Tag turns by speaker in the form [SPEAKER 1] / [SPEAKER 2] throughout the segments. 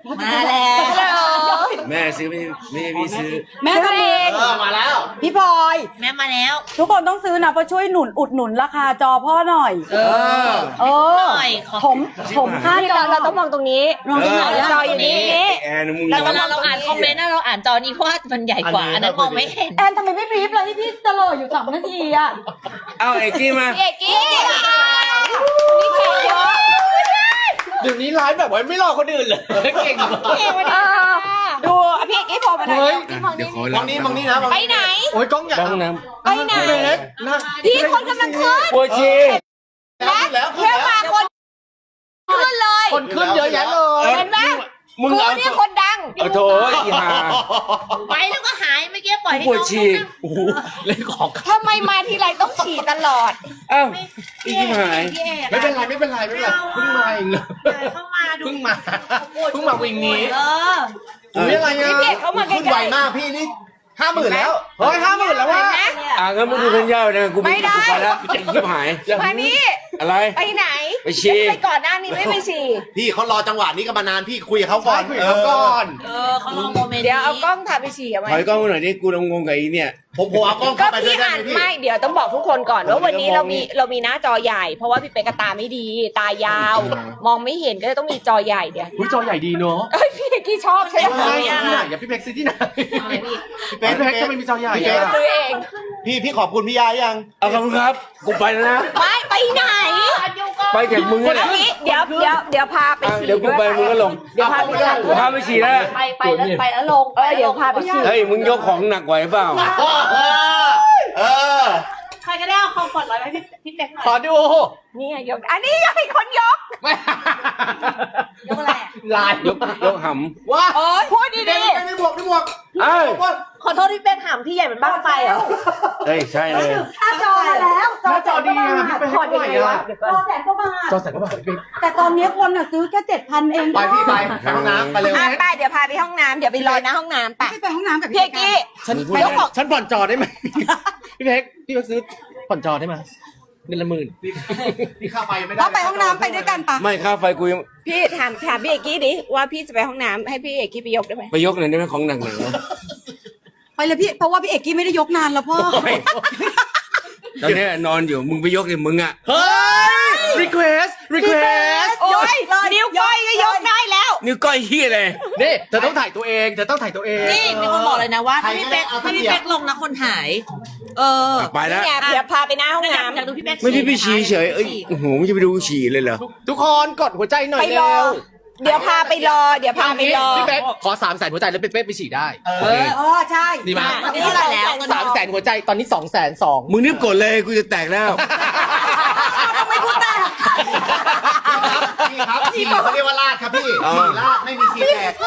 [SPEAKER 1] มาแล้ว
[SPEAKER 2] แม่ซื้อไม่พี่ซื้อ
[SPEAKER 3] แม่ทำเอง
[SPEAKER 4] มาแล้ว
[SPEAKER 3] พี่พลอย
[SPEAKER 1] แม่มาแล้ว
[SPEAKER 3] ทุกคนต้องซื้อนะเพราะช่วยอุดหนุนราคาจอพ่อหน่อย
[SPEAKER 1] หน่อยขอ
[SPEAKER 3] ผมค่าจอ
[SPEAKER 5] เราต้องมองตรงนี้
[SPEAKER 3] มองตรงไหนอะ
[SPEAKER 5] จออยู่นี่
[SPEAKER 2] แอนมึง
[SPEAKER 1] แต่เวลาเราอ่านคอมเมนต์นะเราอ่านจอนี้เพราะว่ามันใหญ่กว่าอันนั้นมองไม่เห็น
[SPEAKER 3] แอนทำไมไม่บรีฟเลยที่พี่ตลอดอยู่3 นาทีอะ
[SPEAKER 2] เอาไอ้กี้มา
[SPEAKER 5] เอกกี้นี่แขกเยอะ
[SPEAKER 4] เดี๋ยวนี้ไลฟ์แบบว่าไม่รอคนอื่นเลยเก่ง
[SPEAKER 5] ดูพี่เอกกี้โผล่มาหน่อย
[SPEAKER 4] เฮ้ย
[SPEAKER 2] เดี๋ยวขอ
[SPEAKER 4] มองนี้มองนี้นะ
[SPEAKER 5] ไปไหน
[SPEAKER 4] โอ้ยกล้องใหญ่
[SPEAKER 2] บ้องน้
[SPEAKER 5] ไปไหน
[SPEAKER 4] เล็กนะ
[SPEAKER 5] พี่คนกำลังขึ้น
[SPEAKER 2] ำปวดชี
[SPEAKER 4] แล้ว
[SPEAKER 5] เพื่อมาคนขึ้นเลย
[SPEAKER 4] คนขึ้นเยอะแยะเลย
[SPEAKER 5] เห็นไหม
[SPEAKER 2] มึง
[SPEAKER 5] กู
[SPEAKER 2] เอา
[SPEAKER 5] เนี่ยคนดัง
[SPEAKER 2] เอาโถอีห่า
[SPEAKER 1] ไปแล้วก็หายเมื่อกี้ปล่อยให้
[SPEAKER 2] ปวด
[SPEAKER 1] น้อง
[SPEAKER 2] ชีโอ้โห
[SPEAKER 4] เล่นของ
[SPEAKER 5] ทำไมมาทีไรต้องฉี่ตลอด
[SPEAKER 2] เอ้าอีกหาย
[SPEAKER 1] พี่เอก
[SPEAKER 4] ไม่เป็นไรไม่เป็นไรไม่เป็นไรเพิ่งมาเองเลย
[SPEAKER 1] เข้ามาดู
[SPEAKER 4] เพิ่งมาวิ่งนี้
[SPEAKER 2] อุ้ยอะไร
[SPEAKER 4] พี่เด็กเขามาขึ้นไวมากพี่นี่50,000แล้วเฮ้ย50,000แล้วว่ะ
[SPEAKER 2] งั้นมึงดูกันยาวนะกูไปแล้วจะยิบหาย
[SPEAKER 5] มานี่
[SPEAKER 2] อะไร
[SPEAKER 5] ไปไหน
[SPEAKER 2] ไปฉี่
[SPEAKER 5] ไปก่อนหน้านี้ไม่ไปฉี่
[SPEAKER 4] พี่เขารอจังหวะนี้กันมานานพี่คุยกับเขาก่อนคุยกับเขาก่อน
[SPEAKER 1] เขาลงโมเมนต์
[SPEAKER 5] เดี๋ยวเอากล้องถ่ายไปฉี่เอาไว้
[SPEAKER 2] ถอยกล้องมาหน่อยดิกูงงกับไอ้เนี่ย
[SPEAKER 4] ผมเอากล้อง
[SPEAKER 5] ก็
[SPEAKER 4] เข้าไปด้ว
[SPEAKER 5] พี่
[SPEAKER 4] ยได้
[SPEAKER 5] อ่าน
[SPEAKER 4] ไหมพี่
[SPEAKER 5] ไม่เดี๋ยวต้องบอกทุกคนก่อนว่าวันนี้เรามีหน้าจอใหญ่ เพราะว่าพี่เป๊กกบตาไม่ดี ตายาว มองไม่เห็นก็เลยต้องมีจอใหญ่เดี๋ยว
[SPEAKER 4] อุ้ยจอใหญ่ดีเนาะ
[SPEAKER 5] เอ้ยพี่เอกกี้ชอบใช่ไหม
[SPEAKER 4] ใช่ที่ไหนอย่าพี่เพ็กซื้อที่ไหนพี่เพ็กทำไมมีจอใหญ่
[SPEAKER 5] เดี๋ยว
[SPEAKER 4] อะ
[SPEAKER 5] ซื้อเอง
[SPEAKER 4] พี่ขอบคุณพี่ยายัง
[SPEAKER 2] เอาขอบคุณครับกูไปแล้วนะ
[SPEAKER 5] ไม่ไปไหน
[SPEAKER 2] ไปจากมึง
[SPEAKER 5] อั
[SPEAKER 2] เนี่ย
[SPEAKER 5] นนี้เดี๋ยวพาไปฉี่
[SPEAKER 2] เดี๋ยวกูไปมึงก็ลง
[SPEAKER 5] เดี๋ยวพาไปฉี่
[SPEAKER 2] กูพาไปฉี่แล้ว
[SPEAKER 1] ไปแล้วลง
[SPEAKER 5] เดี๋ยวพาไปฉี่
[SPEAKER 2] เฮ้ยมึงยกของหนักไหวเปล่า
[SPEAKER 4] เออ
[SPEAKER 1] ใครก็ได้เอาคอมฟอร์ตร้อยไปพี่เป๊กหน่อย
[SPEAKER 4] ขอดู
[SPEAKER 5] นี่ไงยกอันนี้ยังมีคนยก
[SPEAKER 1] ยกอะไร
[SPEAKER 4] ลาย
[SPEAKER 2] ยกห
[SPEAKER 4] ว้า
[SPEAKER 5] โอ้ยพูดดี
[SPEAKER 4] ได้บวก
[SPEAKER 2] ำเอ้ย
[SPEAKER 1] ขอโทษที่เป๊กถามพี่ใหญ่เป็นบ้างไฟเหรอ
[SPEAKER 2] เฮ้ยใช่เลย
[SPEAKER 3] ค่าจอมาแล้ว
[SPEAKER 4] หน้าจอดีอะพี่เป็น
[SPEAKER 5] ๆพอดีเลยวะ
[SPEAKER 3] จอ100,000 กว่าบาท
[SPEAKER 4] จอแสนกว่าบาทพี่
[SPEAKER 3] แต่ตอนนี้คนอะซื้อแค่7,000 เอง
[SPEAKER 4] ไปพี่ไปห้องน้ำไปเร็ว
[SPEAKER 5] ไปเดี๋ยวพาไปห้องน้ำเดี๋ยวไปรอหน้าห้องน้ำไป
[SPEAKER 3] ไม่ไปห้องน้ำกับ
[SPEAKER 5] พี่เอกกี้
[SPEAKER 4] ฉันฉันผ่อนจอได้ไหมพี่เพ็กพี่เพ็กซื้อผ่อนจอได้ไหมเดือนละ10,000พี่ค่าไฟไม่ได้
[SPEAKER 3] เราไปห้องน้ำไปด้วยกันปะ
[SPEAKER 2] ไม่ค่าไฟกูยัง
[SPEAKER 5] พี่ถามพี่เอกกี้ดิว่าพี่จะไปห้องน้ำให้พี่เอกกี้ไปยกได้ไหม
[SPEAKER 2] ไปยกหน่อยได้ไหมของหนักหน่อยนะ
[SPEAKER 3] ไปเลยพี่เพราะว่าพี่เอกกี้ไม่ได้ยกนานแล้วพ่อ
[SPEAKER 2] ตอนนี้นอนอยู่มึงไปยกเลยมึงอ่ะ
[SPEAKER 4] เฮ้ย request
[SPEAKER 5] โอ้ยนิ้วก้อยก็ยกได้แล้ว
[SPEAKER 2] นิ้วก้อยขี้เลย
[SPEAKER 4] นี่เธอต้องถ่ายตัวเองเธอต้องถ่ายตัวเอง
[SPEAKER 1] นี่มีคนบอกเลยนะว่าถ้าพี่เป๊กลงนะคนหาย
[SPEAKER 2] ไปแล้ว
[SPEAKER 5] เนี่ยเดี๋ยวพาไปหน้าห้อง
[SPEAKER 1] อยาก
[SPEAKER 5] น้ำ
[SPEAKER 1] อยากดูพี่เป๊ก
[SPEAKER 2] ไม่พี่ไปฉี่เฉยเอ้ยโอ้โหมึงจะไปดูฉี่เลยเหรอ
[SPEAKER 4] ทุกคนกดหัวใจหน่อ
[SPEAKER 5] ไป
[SPEAKER 4] ย
[SPEAKER 5] ร
[SPEAKER 4] เร็
[SPEAKER 5] อ
[SPEAKER 4] ว
[SPEAKER 5] เดี๋ยวพาไปรอ เดี๋ยวพาไปรอ
[SPEAKER 4] พี่เป๊กขอ300,000หัวใจแล้วเป๊กไปฉี่ได้
[SPEAKER 3] ใช่
[SPEAKER 4] ดีไหม
[SPEAKER 1] ตอนนี้เท่าไหร่แล้ว
[SPEAKER 4] 300,000หัวใจตอนนี้202,000
[SPEAKER 2] มึงรีบกดเลยกูจะแตกแล้ว
[SPEAKER 3] ทำไมพูดแต่
[SPEAKER 4] พี่ครับฉี่เขาเรียกว่าลาดครับพี่ฉี่ลาดไม่มีฉี่แตก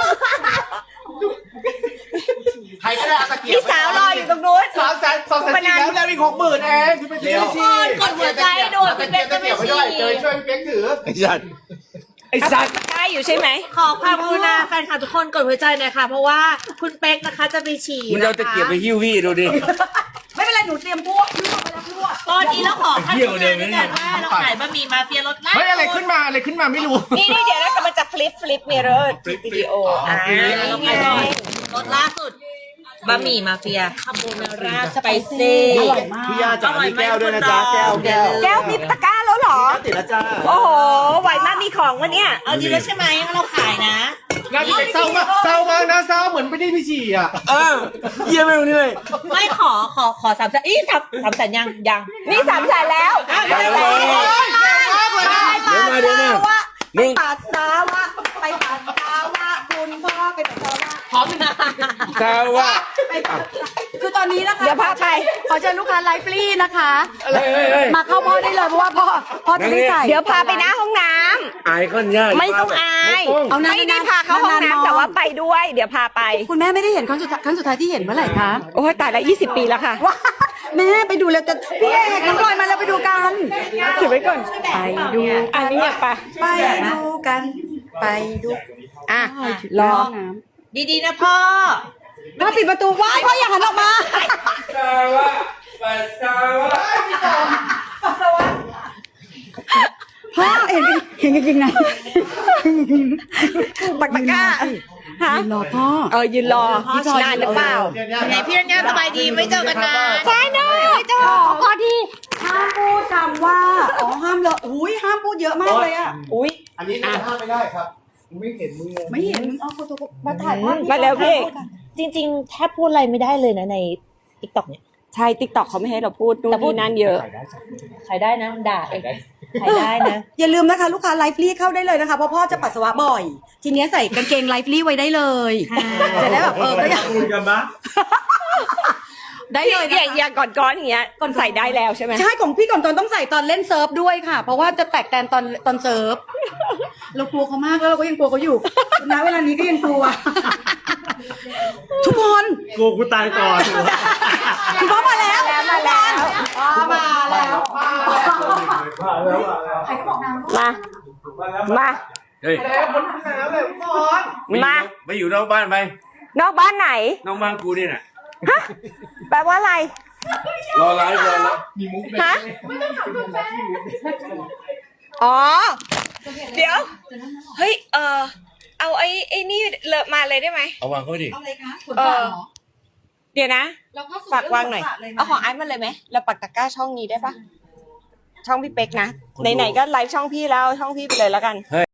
[SPEAKER 4] ใครก็ได้เอาตะเกียบ
[SPEAKER 5] พี่สาวรออยู่ตรงนู้น
[SPEAKER 4] 300,000แล้วแล้วอีก60,000เองพี่ไปฉี่ฉี่
[SPEAKER 1] กดหัวใจด่วนพี่เป๊กจะไม่ฉี่
[SPEAKER 4] เจอช่วยพี่เป๊กถือ
[SPEAKER 2] ไอ้สัตว์ไอ้สัตว์
[SPEAKER 5] ใช่อยู่ใช่ไหม
[SPEAKER 1] ขอความกรุณาแฟนคลับทุกคนกดหัวใจหน่อยค่ะ เพราะว่าคุณเป๊กนะคะจะไปฉี่
[SPEAKER 2] มึงเอาตะเกียบไปหิ้วพี่ดูดิ
[SPEAKER 3] ไม่เป็นไรหนูเตรียมพวกลวกไปแล้วลวก
[SPEAKER 1] ตอนนี้เราขอขั้นตอนด้วยกันว่าเราขายบะหมี่มาเฟียรสลาด
[SPEAKER 4] เฮ้ยอะไรขึ้นมาไม่รู้
[SPEAKER 5] นี่เดี๋ยวนะกำลังจะฟลิปมิเรอร์วิดีโอนี่ไง
[SPEAKER 1] รสล่าสุดบะหมี่มาเฟียคาโบนาร่าสไปซี่
[SPEAKER 3] อร่อยมาก
[SPEAKER 4] พี่ยาจ๋ามีแก้วด้วยนะจ๊ะแก้ว
[SPEAKER 5] แก้วมีตะกร้าแล้วเหรอ
[SPEAKER 4] ติดแล้วจ้า
[SPEAKER 5] โอ้โหไหวมากมีของวะเนี่ย
[SPEAKER 1] เอาจริงแล้วใช่ไหมเราขายนะ
[SPEAKER 4] งานพี่เป๊กเศร้ามากนะเศร้าเหมือนไม่ได้พี่ฉี่อ่ะ
[SPEAKER 2] เยี่ยมไปตรงนี้เลย
[SPEAKER 1] ไม่ขอ300,000อี300,000ยัง
[SPEAKER 5] นี่300,000แล้ว
[SPEAKER 2] ไปเลย เดี๋ยวมา
[SPEAKER 3] ไปปัสสาวะไปปัสสาวะคุณพ่อไปปัสสาวะ
[SPEAKER 1] พร้อมนะ
[SPEAKER 2] ข้าวว่า
[SPEAKER 3] คือตอนนี้นะคะ
[SPEAKER 5] เดี๋ยวพาไป
[SPEAKER 3] ขอเชิญลูกค้าไลฟ์ฟรีนะคะ
[SPEAKER 2] เฮ้ย
[SPEAKER 3] มาเข้าพ่อได้เลยเพราะว่าพ่อจะได้ใส่
[SPEAKER 5] เดี๋ยวพาไปหน้าห้องน้ำ
[SPEAKER 2] อายก้อนยาก
[SPEAKER 5] ไม่ต้องอาย
[SPEAKER 3] เอานานๆ
[SPEAKER 5] ไม่ได้พาเข้าห้องน้ำแต่ว่าไปด้วย เดี๋ยวพาไป
[SPEAKER 3] คุณแม่ไม่ได้เห็นครั้งสุดท้ายที่เห็นเมื่อไหร่คะ
[SPEAKER 5] โอ้ยตายแล้ว20 ปีแล้วค่ะ
[SPEAKER 3] ว้าแม่ไปดูแล้วจะพี่เอกน้องพลอยมาแล้วไปดูกัน
[SPEAKER 5] ถือไว้ก่อนไปดูอันนี้ไป
[SPEAKER 3] ไปดูกันไปดู
[SPEAKER 5] อ่ะรอ
[SPEAKER 1] ดีๆนะพ่อ
[SPEAKER 3] พ่อปิดประตูว้ายพ่ออย่าหันออกมา
[SPEAKER 2] ข้าวว่าปัสสาวะ
[SPEAKER 3] พ่อเห็นจริงๆนะ
[SPEAKER 5] ปักตะกร้าฮะ
[SPEAKER 3] ยืนรอพ่อ
[SPEAKER 5] ยืนรอนานหรือเปล่า
[SPEAKER 1] ไหนพี่รัญญาสบายดีไม่เจอกันนาน
[SPEAKER 5] ใช่เนอะไม่เจอพอดี
[SPEAKER 3] ห้ามพูดคำว่าห้ามเลยอุ้ยห้ามพูดเยอะมากเลยอ่ะ
[SPEAKER 5] อุ้ย
[SPEAKER 4] อันนี้ห้ามไม่ได้ครับไม่เห็นมือ
[SPEAKER 3] ไม่เห็นมึงเอาโฟโต้มาถ่ายภาพ
[SPEAKER 5] มาแล้วพี่
[SPEAKER 1] จริงๆแทบพูดอะไรไม่ได้เลยนะในติ๊กต็อกเนี่ย
[SPEAKER 5] ใช่ติ๊กต็อกเขาไม่ให้เราพูดนู่นนี่นั่นเยอะ
[SPEAKER 1] ใครได้นะด่าเองใครได้นะ
[SPEAKER 3] อย่าลืมนะคะลูกค้าไลฟ์ลี่เข้าได้เลยนะคะเพราะพ่อจะปัสสาวะบ่อย ทีเนี้ยใส่กางเกงไลฟ์ลี่ไว้ได้เลยจะได้แบบก็อยาก
[SPEAKER 4] คุยกันบ้าง
[SPEAKER 3] ได้เลยนะ
[SPEAKER 5] อย่างก่อนอย่างเงี้ยก่อนใส่ได้แล้วใช่ไหม
[SPEAKER 3] ใช่ของพี่ก่อนตอนต้องใส่ตอนเล่นเซิร์ฟด้วยค่ะ เพราะว่าจะแตกแตนตอนเซิร์ฟเรากลัวเขามากแล้วเราก็ยังกลัวเขาอยู่ณเวลานี้ก็ยังกลัว ทุกคน
[SPEAKER 4] กลัวกูตายก่อน
[SPEAKER 3] คุณพ่อมาแล้ว
[SPEAKER 5] มาแล้ว
[SPEAKER 3] มาแล้ว
[SPEAKER 5] มา
[SPEAKER 2] เฮ้ย
[SPEAKER 5] มา
[SPEAKER 2] ไปอยู่นอกบ้านไป
[SPEAKER 5] นอกบ้านไหน
[SPEAKER 2] นอกบ้านกูนี่น่ะ
[SPEAKER 5] แปลว่าอะไร
[SPEAKER 2] รอไลฟ์รอแล้ว
[SPEAKER 5] ฮะอ๋อ เดี๋ยว เฮ้ย เอาไอ้นี่เลอะมาเลยได้ไหม
[SPEAKER 2] เอาวางเขาดิ
[SPEAKER 3] อะไรคะขน
[SPEAKER 5] เอ
[SPEAKER 3] ตา
[SPEAKER 5] อ
[SPEAKER 3] เหรอ
[SPEAKER 5] เดี๋ยวนะ
[SPEAKER 3] เราก็
[SPEAKER 5] ฝากวางหน่อย เอาของไอ้มาเลยไหมเราปักตะกร้าช่องนี้ได้ปะช่องพี่เป๊กนะ ไหนๆก็ไลฟ์ช่องพี่แล้วช่องพี่ไปเลยแล้วกัน